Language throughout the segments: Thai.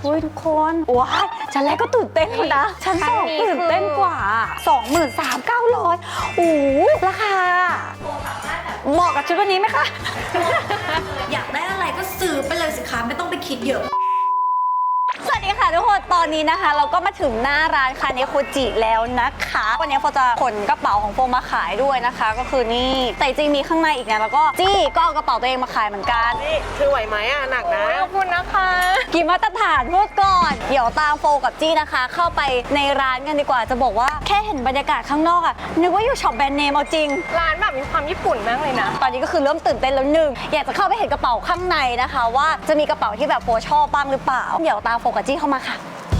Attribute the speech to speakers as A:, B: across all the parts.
A: อุ้ยทุกคนว้ายชั้นแรกก็ตื่นเต้นแล้วนะชั้นสองตื่นเต้นกว่า 23,900โอ้ราคาเหมาะกับชุดวันนี้ไหมคะ
B: อยากได้อะไรก็ซื้อไปเลยสิคะไม่ต้องไปคิดเยอะ
A: สวัสดีค่ะทุกคนตอนนี้นะคะเราก็มาถึงหน้าร้านคาเนโคจิแล้วนะคะวันนี้โฟจะขนกระเป๋าของโฟมาขายด้วยนะคะก็คือนี่แต่จริงมีข้างในอีกนะแล้วก็จี้ก็เอากระเป๋าตัวเองมาขายเหมือนกัน
C: นี่คือไหวไหมอ่ะหนักนะ
A: ขอบคุณนะคะกี่มาตรฐานพูดก่อนเดี๋ยวตามโฟกับจี้นะคะเข้าไปในร้านกันดีกว่าจะบอกว่าแค่เห็นบรรยากาศข้างนอกอะนึกว่าอยู่ช็อปแบรนด์เนมเอาจริง
C: ร้านแบบมีความญี่ปุ่นมากเลยนะ
A: ตอนนี้ก็คือเริ่มตื่นเต้นแล้วหนึ่งอยากจะเข้าไปเห็นกระเป๋าข้างในนะคะว่าจะมีกระเป๋าที่แบบโฟชอบบ้างหรือเปล่าเดี๋ยวตามโฟกับจี้เข้ามาค่ะ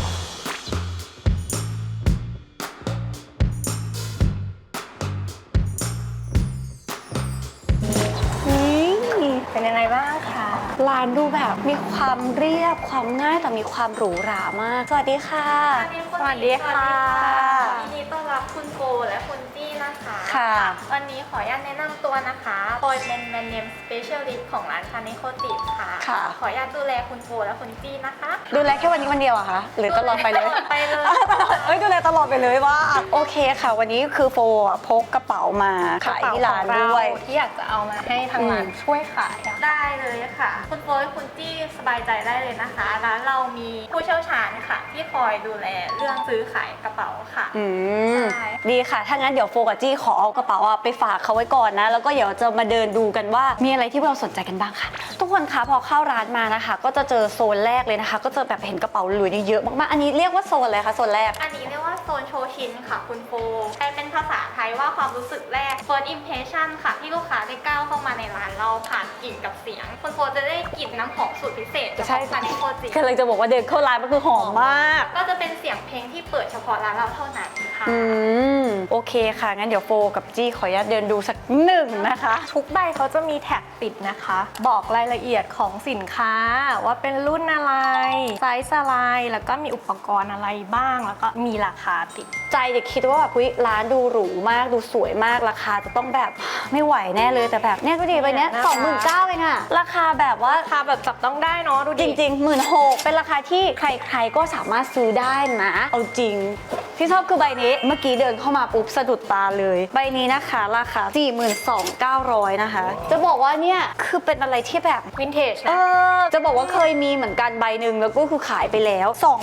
C: เป็นยังไงบ้างคะ
A: ร้านดูแบบมีความเรียบความง่ายแต่มีความหรูหรามากสวัสดีค่ะ
C: สวัสดีค่ะ
B: ยินดีต้อนรับคุณโกและคุณจี้นะคะ
A: ค่ะ
B: วันนี้ขออนุญาตแนะนำตัวนะคะปอยเป็นแบรนด์เนมสเปเชียลิสต์ของร้านคาเนโคจิค่ะขออนุญาตดูแลคุณโกและคุณจี้นะคะ
A: ดูแลแค่วันนี้วันเดียวอะคะหรือตลอดไปเลย
B: ไปเลย
A: ดูแลตลอดไปเลยว่าโอเคค่ะวันนี้คือโฟพกกระเป๋ามาขายที่ร้านด้วย
C: ที่อยากจะเอามาให้ทางร้านช่วยขาย
B: ได้เลยค่ะคุณโกและคุณจี้สบายใจได้เลยนะคะร้านเรามีผู้เชี่ยวชาญค่ะที่คอยดูแลเรื่องซื้อขายกระเป๋าค่ะ
A: ดีค่ะถ้างั้นเดี๋ยวโฟกับจี้ขอเอากระเป๋าไปฝากเขาไว้ก่อนนะแล้วก็เดี๋ยวจะมาเดินดูกันว่ามีอะไรที่เราสนใจกันบ้างค่ะทุกคนคะพอเข้าร้านมานะคะก็จะเจอโซนแรกเลยนะคะก็จะแบบเห็นกระเป๋าหลุยเยอะมากๆอันนี้เรียกว่าโซนอะไรคะโซนแรก
B: อันนี้เรียกว่าโซนโชชินค่ะคุณโฟแปลเป็นภาษาไทยว่าความรู้สึกแรก first impression ค่ะที่ลูกค้าได้ก้าวเข้ามาในร้านเราผ่านกลิ่นกับเสียงคุณโฟจะได้กลิ่นน้ำหอมสูตรพิเศษจากคาเนโคจิ
A: กำลังจะบอกว่าเดินเข้าร้านมันคือหอมมาก
B: ก็จะเป็นเสียงเพลงที่เปิดเฉพาะร้านเราเท่านั้นค่ะ
A: โอเคค่ะงั้นเดี๋ยวโฟกับจี้ขออนุญาตเดินดูสักหนึ่งนะคะ
C: ทุกใบเขาจะมีแท็กติดนะคะบอกรายละเอียดของสินค้าว่าเป็นรุ่นอะไรไซส์อะไรแล้วก็มีอุปกรณ์อะไรบ้างแล้วก็มีราคาติด
A: ใจเด็กคิดว่าแบบร้านดูหรูมากดูสวยมากราคาจะต้องแบบไม่ไหวแน่เลยแต่แบบเนี่ยก็ดีไปเนี้ย29,000เองอะราคาแบบว่า
C: ราคาแบบจับต้องได้เนาะดู
A: จริงๆ16,000เป็นราคาที่ใครๆก็สามารถซื้อได้นะเอาจริงที่ชอบคือใบนี้เมื่อกี้เดินเข้ามาปุ๊บสะดุดตาเลยใบนี้นะคะราคา 42,900 นะคะจะบอกว่าเนี่ยคือเป็นอะไรที่แบบ
C: วินเทจนะ
A: จะบอกว่าเคยมีเหมือนกันใบหนึ่งแล้วก็คือขายไปแล้ว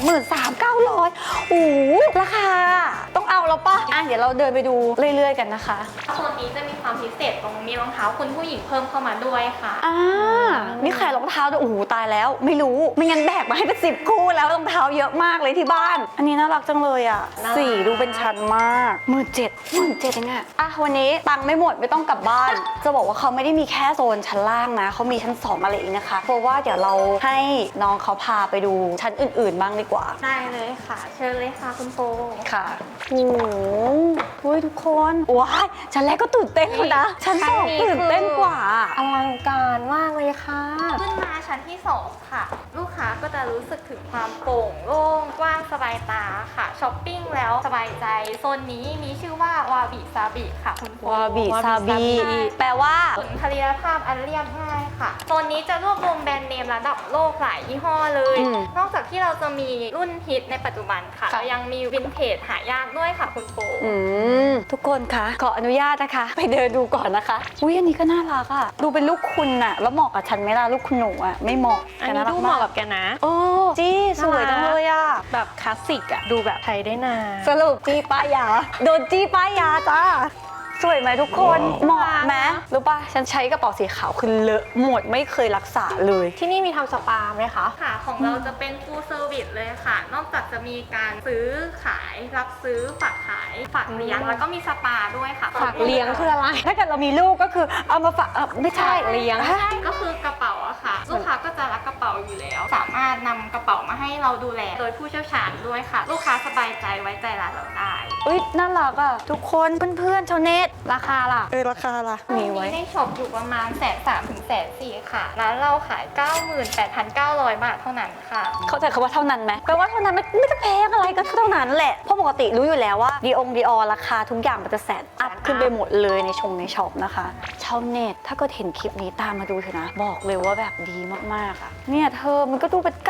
A: 23,900โอ้ราคาต้องเอาแล้วป่ะเดี๋ยวเราเดินไปดูเรื่อยๆกันนะคะ
B: โซนนี้จะมีความพิเศษตรงมีรองเท้าคุณผู้หญิงเพิ่มเข้ามาด้วยค่ะ
A: มีขายรองเท้าด้วยโอ้โหตายแล้วไม่รู้ไม่งั้นแบกมาให้เป็น10 คู่แล้วรองเท้าเยอะมากเลยที่บ้านอันนี้น่ารักจังเลยอ่ะสีดูเป็นชั้นมาก17,000เองอะวันนี้ตังค์ไม่หมดไม่ต้องกลับบ้าน จะบอกว่าเขาไม่ได้มีแค่โซนชั้นล่างนะเขามีชั้น2อะไรอีกนะคะเพราะว่าเดี๋ยวเราให้น้องเขาพาไปดูชั้นอื่นๆบ้างดีกว่า
B: ได้เลยค่ะเชิญเลยค่ะคุณโฟ
A: ค่ะโอ้โหทุกคนว้ายชั้นแรกก็ตื่นเต้นแล้วนะชั้น2ตื่นเต้นกว่า
C: อลังการมากเลยค่ะ
B: ขึ้นมาชั้นที่2ค่ะลูกค้าก็จะรู้สึกถึงความโปร่งโล่งกว้างสบายตาค่ะช้อปปิ้งแล้วสบายใจโซนนี้มีชื่อว่าวาบิซาบิค่ะคุณโฟ
A: วาบิซาบิแปลว่า
B: สุนทรียภาพอันเรียบง่ายค่ะโซนนี้จะรวบรวมแบรนด์เนมระดับโลกหลายยี่ห้อเลยนอกจากที่เราจะมีรุ่นฮิตในปัจจุบันค่ะเรายังมีวินเทจหายากด้วยค่ะคุณโฟ
A: ทุกคนคะขออนุญาตนะคะไปเดินดูก่อนนะคะอุ้ยอันนี้ก็น่ารักอ่ะดูเป็นลูกคุณอะแล้วเหมาะกับฉันไหมล่ะลูกคุณหนูอะไม่เหมาะ
C: อันนี้ดูเหมาะกับแกนะ
A: จี้สวยจังเลยอะ
C: แบบคลาสสิกอะดูแบบไทยได้นาน
A: สรุปจี้ป้ายยาโดนจี้ป้ายยาจ้าสวยไหมทุกคนเหมาะไหมรู้ป่ะฉันใช้กระเป๋าสีขาวคือเลอะหมดไม่เคยรักษาเลย
C: ที่นี่มีทำสปาไหมคะ
B: ค่ะของเราจะเป็น full service เลยค่ะนอกจากจะมีการซื้อขายรับซื้อฝากขายฝากเลี้ยงแล้วก็มีสปาด้วยค่ะ
C: ฝากเลี้ยงคืออะไร
A: ถ้าเกิดเรามีลูกก็คือเอามาฝากไม่ใช่
C: เลี้ยง
B: ก็คือกระเป๋าอะค่ะลูกค้าก็จะรักกระเป๋าอยู่แล้วสามารถนำกระเป๋ามาให้เราดูแลโดยผู้เชี่ยวชาญด้วยค่ะลูกค้าสบายใจไว้ใจร้านเราได้
A: น่ารักอ่ะทุกคนเพื่อนๆชาวเน็ต
C: ราคาล่ะ
A: ราคาล่ะมีไว้
B: ในช็อปอยู่ประมาณ130,000 ถึง140,000 ค่ะร้านเราขาย 98,900 บาทเท่านั้นค่ะ
A: เข้าใจคำว่าเท่านั้นไหมแปลว่าเท่านั้นไม่ได้แพงอะไรก็เท่านั้นแหละเพราะปกติรู้อยู่แล้วว่าดีอราคาทุกอย่างมันจะแสนอัพขึ้นไปหมดเลยในช็อปนะคะชาวเน็ตถ้าเกิดเห็นคลิปนี้ตามมาดูเถอะนะบอกเลยว่าแบบดีมากๆอ่ะเนี่ยเธอมันก็ดูเป็น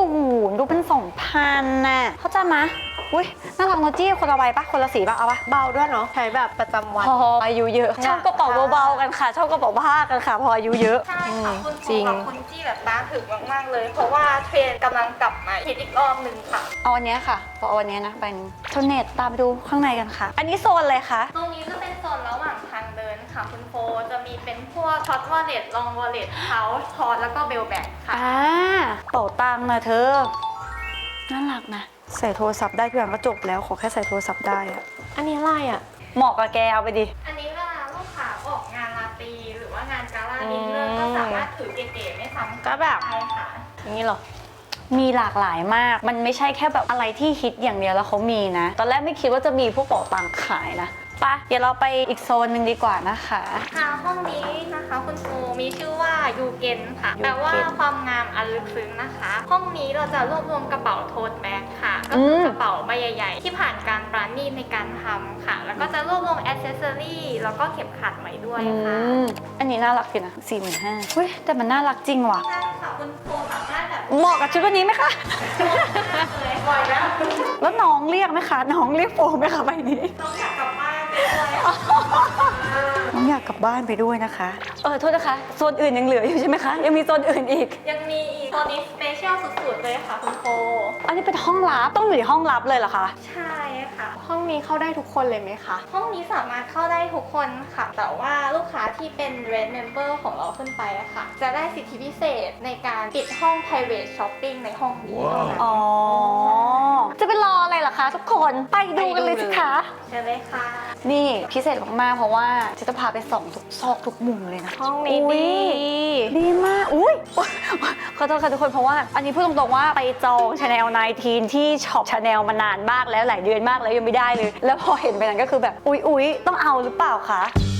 A: 90ดูเป็น2,000น่ะเข้าใจไหมอุ้ยน่ารักโนจี้คนละใบปะคนละสีปะเอาปะ
C: เบาด้วยเนาะใช้แบบประจำวัน
A: พออายุเยอะชอบกระเป๋าเบาๆกันค่ะชอบกระเป๋าผ้ากันค่ะพออายุเยอะ
B: ใช่ค่ะคุณ
C: จริ
B: ฟู
C: ง
B: กับคุณจี้แบบบ้าถึงมากๆเลย เพราะว่าเทรนด์กำลังกลับมาฮิตอีกรอบหนึ่งค่ะ
A: เอาอันเนี้ยค่ะเอาอันเนี้ยนะไปชาวเน็ตตามไปดูข้างในกันค่ะ อันนี้โซนเลยค่ะ
B: ตรงนี้จะเป็นโซนระหว่างทางเดินค่ะคุณโฟจะมีเป็นพวกช็อตวอลเล็ตลองวอลเล็ตเท้าทอดแล้วก็เบลแบกค่ะ
A: เป๋าตังค์นะเธอ น่ารักนะ ใส่โทรศัพท์ได้ทุกอย่างก็จบแล้วขอแค่ใส่โทรศัพท์ได้อะ
C: อันนี้อะไรอ่ะ
A: เหมาะกับแกเอาไปดิ
B: อันนี้เวลาลูกค้าออกงานราตรีหรือว่างานกาล่าดินเนอร์ก็สามารถถือเก๋ๆไม่ซ้ำ
C: ก็แบบ
B: ใช่ค่ะ
C: อย่างนี้เหรอ
A: มีหลากหลายมาก มันไม่ใช่แค่แบบอะไรที่ฮิตอย่างเดียวแล้วเขามีนะ ตอนแรกไม่คิดว่าจะมีพวกเป๋าตังค์ขายนะไปะเดี๋ยวเราไปอีกโซนหนึ่งดีกว่านะคะ
B: ค่ะห้องนี้นะคะคุณครูมีชื่อว่ายูเกนค่ะ
A: ยูเกน
B: แปลว่าความงามอันลึกซึ้งนะคะ ห้องนี้เราจะรวบรวมกระเป๋าโทสแบ็คค่ะ ก็คือกระเป๋าใบใหญ่ๆ ที่ผ่านการปราณีตในการทำค่ะ แล้วก็จะรวบรวมแอคเซสซอรี่แล้วก็เข็มขัดไว้ด้วยค่ะ
A: อันนี้น่ารักดีนะ45,000เฮ้ยแต่มันน่ารักจริงว่ะ
B: ใช่ค่ะคุณครูสามารถแบบ
A: เหมาะกับชุดวันนี้ไหมคะ
B: เลยบ่อยแล้ว
A: แล้วน้องเรียกไหมคะ น้องเรียกโฟมไหมคะใบนี้
B: ต้องอยากกลับบ้านไปด้วย
A: น้องอยากกลับบ้านไปด้วยนะคะ โทษนะคะ โซนอื่นยังเหลืออยู่ใช่ไหมคะ ยังมีโซนอื่นอีก
B: ยังมีอีกตอนนี้สเปเชียลสุดๆเลยค่ะคุณโฟ
A: อันนี้เป็นห้องลับ ต้องอยู่ในห้องลับเลยเหรอคะ
B: ใช่ค่ะ
C: ห้องนี้เข้าได้ทุกคนเลยไหมคะ
B: ห้องนี้สามารถเข้าได้ทุกคนค่ะ แต่ว่าลูกค้าที่เป็น Red Member ของเราขึ้นไปอะค่ะ จะได้สิทธิพิเศษในการปิดห้อง private shopping ในห้องนี้เท่านั้น
A: อ๋อ จะไปรออะไรล่ะคะทุกคน ไปดูกันเลยสิคะ
B: เชิญเลยค่ะ
A: นี่พิเศษมากๆเพราะว่าจะพาไปส่องทุกซอกทุกมุมเลยนะ
C: ห้องนี้
A: อุ๊
C: ดี
A: ย ดีมาก อุ้ยขอโทษค่ะทุกคนเพราะว่าอันนี้พูดตรงๆว่าไปจอง Chanel 19 ที่ช็อป Chanel มานานมากแล้วหลายเดือนมากแล้วยังไม่ได้เลย แล้วพอเห็นไปนั้นก็คือแบบอุ๊ยต้องเอาหรือเปล่าคะ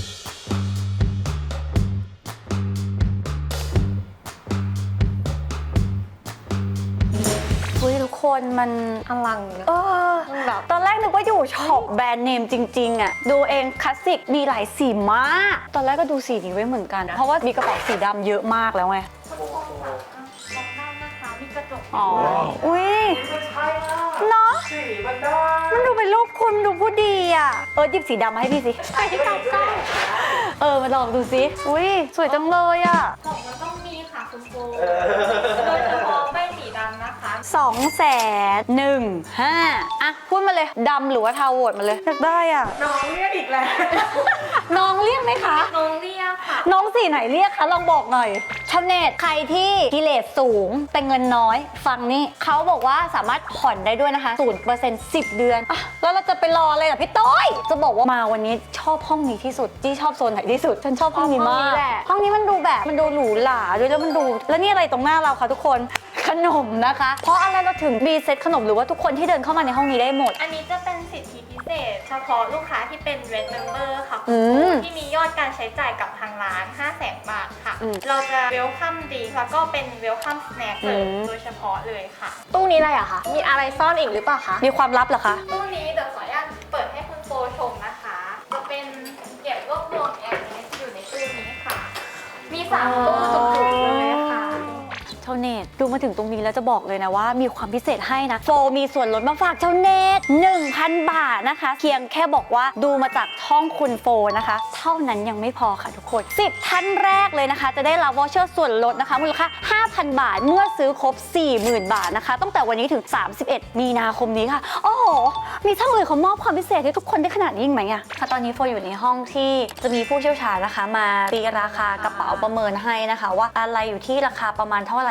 A: อุ้ยทุกคนมัน
C: อลังนะ
A: มันแบบตอนแรกนึกว่าอยู่ช็อปแบรนด์เนมจริงๆอ่ะดูเองคลาสสิกมีหลายสีมาก ตอนแรกก็ดูสีนี้ไว้เหมือนกัน เพราะว่ามีกระเป๋าสีดำเยอะมากแล้วไง
B: คุณโฟค่ะมองด้านนะคะมีกระจก
A: อ๋อ อุ้ย
D: ไม่ใช่อะ
A: เนาะ
D: สีมันได้
A: มันดูเป็นรูปคุณดูผู้ดีอ่ะ หยิบสีดำมาให้พี่สิ
C: ใส่ที่เก่าใกล้
A: มาลองดูสิ อุ้ยสวยจังเลยอ่ะ
B: ของมันต้องมีค่ะคุณโฟโดยเฉพาะใบสีดำนะคะ
A: 215,000อ่ะพูดมาเลยดำหรือว่าเทาโหวตมาเลยอยากได้อ่ะ
D: น้องเรียกอีกแล้ว
A: น้องเรียกไหมคะ
B: น้องเรียกค่ะ
A: น้องสีไหนเรียกคะลองบอกหน่อยชาวเน็ตใครที่กิเลสสูงแต่เงินน้อย ฟังนี่เขาบอกว่าสามารถผ่อนได้ด้วยนะคะ 0% 10 เดือนอ่ะแล้วเราจะไปรออะไรล่ะพี่ต้อยจะบอกว่ามาวันนี้ชอบห้องนี้ที่สุดจี้ชอบโซนไหนที่สุดฉันชอบห้องนี้มาก
C: ห้องนี้แหละ
A: ห้องนี้มันดูแบบมันดูหรูหราด้วยแล้วมันดูแล้วนี่อะไรตรงหน้าเราคะทุกคนขนมนะคะ เพราะอะไรเราถึงมีเซตขนมหรือว่าทุกคนที่เดินเข้ามาในห้องนี้ได้หมด
B: อันนี้จะเป็นสิทธิพิเศษ เฉพาะลูกค้าที่เป็น Red Member ค่ะ
A: อืม
B: ที่มียอดการใช้จ่ายกับทางร้าน 500,000 บาทค่ะ
A: อืม
B: เราจะ Welcome Drink แล้วก็เป็น Welcome Snack เลย
A: อืม
B: โดยเฉพาะเลยค่ะ
C: ตู้นี้อะไรอะคะ มีอะไรซ่อนอีกหรือเปล่าคะ
A: มีความลับเหรอคะ
B: ตู้นี้เดี๋ยวขออนุญาตเปิดให้คุณโฟชมนะคะ จะเป็นเก็บรวบรวมแอร์เนสอยู่ในตู้นี้ค่ะ มี3ตู้จุกๆเลยค่ะ
A: ชาวเน็ตดูมาถึงตรงนี้แล้วจะบอกเลยนะว่ามีความพิเศษให้นะโฟมีส่วนลดมาฝากชาวเน็ต 1,000 บาทนะคะเพียงแค่บอกว่าดูมาจากช่องคุณโฟนะคะ เท่านั้นยังไม่พอค่ะทุกคน 10 ท่านแรกเลยนะคะ จะได้รับวอเชอร์ส่วนลดนะคะมูลค่า 5,000 บาทเมื่อซื้อครบ 40,000 บาทนะคะตั้งแต่วันนี้ถึง 31 มีนาคมนี้ค่ะโอ้โหมีช่างอื่นเขามอบความพิเศษให้ทุกคนได้ขนาดนี้อีกไหมอะค่ะตอนนี้โฟอยู่ในห้องที่จะมีผู้เชี่ยวชาญนะคะ มาตีราคากระเป๋าประเมินให้นะคะ ว่าอะไรอยู่ที่ราคาประมาณเท่าไหร่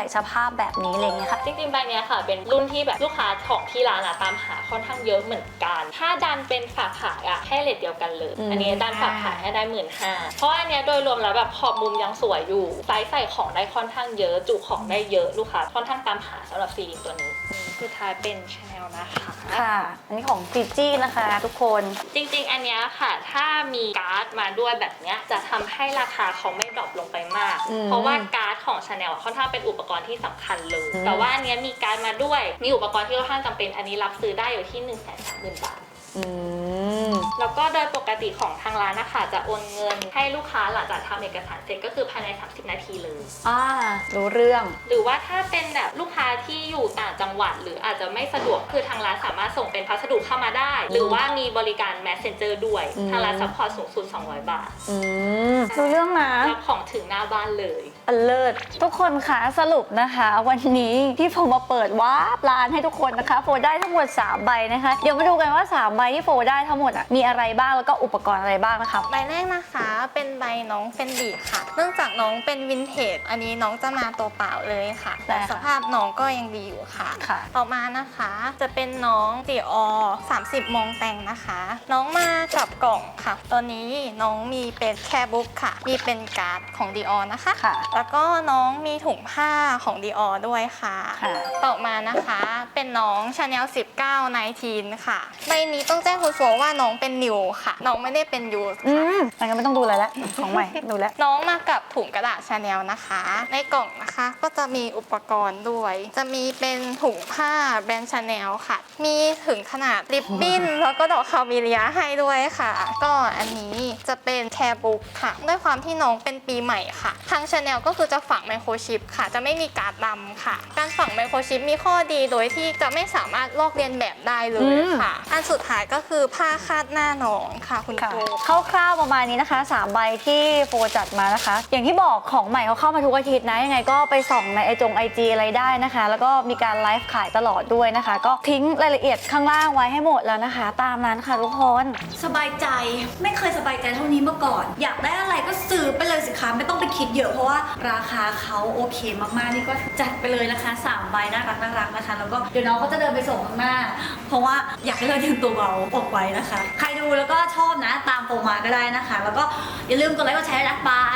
A: ร่สภาพแบบนี้อะไรเงี้ยค่ะ
E: จริงๆใบเนี้ยค่ะเป็นรุ่นที่แบบลูกค้าของที่ร้านตามหาค่อนข้างเยอะเหมือนกัน ถ้าดันเป็นฝากขายให้เรทเดียวกันเลย อันนี้ดันฝากขายให้ได้ 15,000 เพราะอันเนี้ยโดยรวมแล้วแบบขอบมุมยังสวยอยู่ไซส์ใส่ของได้ค่อนข้างเยอะจุของได้เยอะลูกค้าค่อนข้างตามหาสำหรับซีรีส์ตัวนี้สุดท้ายเป็น Chanel นะคะ
A: ค่ะ อันนี้ของฟิจี้นะคะทุกคน
E: จริงๆ อันเนี้ยค่ะ ถ้ามีการ์ดมาด้วยแบบเนี้ยจะทำให้ราคาเขาไม่ดรอปลงไปมาก เพราะว่าการ์ดของ Chanel ค่อนข้างเป็นอุปกรณ์ที่สำคัญเลย แต่ว่าอันเนี้ยมีการ์ดมาด้วย มีอุปกรณ์ที่ค่อนข้างจำเป็น อันนี้รับซื้อได้อยู่ที่ 130,000 บาท แล้วก็โดยปกติของทางร้านนะคะจะโอนเงินให้ลูกค้าหลังจากทำเอกสารเสร็จก็คือภายใน 30 นาทีเลย
A: รู้เรื่อง
E: หรือว่าถ้าเป็นแบบลูกค้าที่อยู่ต่างจังหวัด หรืออาจจะไม่สะดวกคือทางร้านสามารถส่งเป็นพัสดุเข้ามาได้ หรือว่ามีบริการ Messenger ด้วยทางร้านซัพพอร์ตสูงสุด200 บาท
A: รู้เรื่องนะ
E: รับของถึงหน้าบ้านเลย
A: อันเลิศทุกคนคะสรุปนะคะ วันนี้ที่โฟมาเปิดวาร์ปร้านให้ทุกคนนะคะโฟได้ทั้งหมด3ใบนะคะเดี๋ยวมาดูกันว่า3ใบที่โฟได้ทั้งหมดมีอะไรบ้างแล้วก็อุปกรณ์อะไรบ้างนะคะ
B: ใบแรกนะคะเป็นใบน้องเฟนดีค่ะ เนื่องจากน้องเป็นวินเทจ อันนี้น้องจะมาตัวเปล่าเลยค่ะ แต่สภาพน้องก็ยังดีอยู่ค่ะ
A: ค่ะ
B: ต่อมานะคะจะเป็นน้องดีออ30 มองแต่งนะคะ น้องมากับกล่องค่ะ ตัวนี้น้องมีเป็นแคร์บุ๊กค่ะ มีเป็นการ์ดของดีออนะคะ
A: ค่ะ
B: แล้วก็น้องมีถุงผ้าของดีออด้วยค่ะ
A: ค่ะ
B: ต่อมานะคะเป็นน้อง Chanel 19 19 ค่ะ ใบนี้ต้องแจ้งคุณโฟว่าน้องเป็นนิวค่ะ น้องไม่ได้เป็นยูสค่ะ
A: งั้นไม่ต้องดูอะไรแล้วของใหม่ดูแล้ว
B: น้องมากับถุงกระดาษชาแนลนะคะ ในกล่องนะคะก็จะมีอุปกรณ์ด้วย จะมีเป็นถุงผ้าแบรนด์ชาแนลค่ะ มีถึงขนาดริบบิ้น แล้วก็ดอกคาเมเลียให้ด้วยค่ะ ก็อันนี้จะเป็นแคร์บุ๊กค่ะ ด้วยความที่น้องเป็นปีใหม่ค่ะ ทางชาแนลก็คือจะฝังไมโครชิปค่ะ จะไม่มีการ์ดดำค่ะ การฝังไมโครชิปมีข้อดีโดยที่จะไม่สามารถลอกเลียนแบบได้เลยค่ะ อันสุดท้ายก็คือผ้าคาดหน้าน้องค่ะคุณ
A: ค่ะ
B: ครู
A: คร่าวๆประมาณนี้นะคะ3ใบที่โฟจัดมานะคะ อย่างที่บอกของใหม่เขาเข้ามาทุกอาทิตย์นะยังไงก็ไปส่องในIG อะไรได้นะคะ แล้วก็มีการไลฟ์ขายตลอดด้วยนะคะ ก็ทิ้งรายละเอียดข้างล่างไว้ให้หมดแล้วนะคะ ตามนั้นค่ะทุกคน
F: สบายใจไม่เคยสบายใจเท่านี้มาก่อน อยากได้อะไรก็ซื้อไปเลยสิคะไม่ต้องไปคิดเยอะเพราะว่าราคาเขาโอเคมากๆนี่ก็จัดไปเลยนะคะ3ใบน่ารักนะคะแล้วก็เดี๋ยวน้องก็จะเดินไปส่งข้างหน้า เพราะว่าอยากให้เราเตรียมตัวเบาออกไว้นะคะ ใครดูแล้วก็ชอบนะตามโฟมาก็ได้นะคะ แล้วก็อย่าลืมกดไลค์กดแชร์นะบาย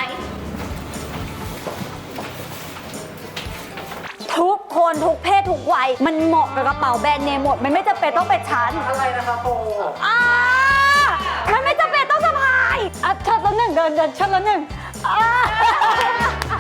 A: ทุกคนทุกเพศทุกวัยมันเหมาะกับกระเป๋าแบรนด์เนมหมดมันไม่จำเป็นต้องเป็นชั้น
D: อะไรนะคะโป
A: มันไม่จำเป็นต้องสะพายช็อตละหนึ่งเดินช็อตละหนึ่ง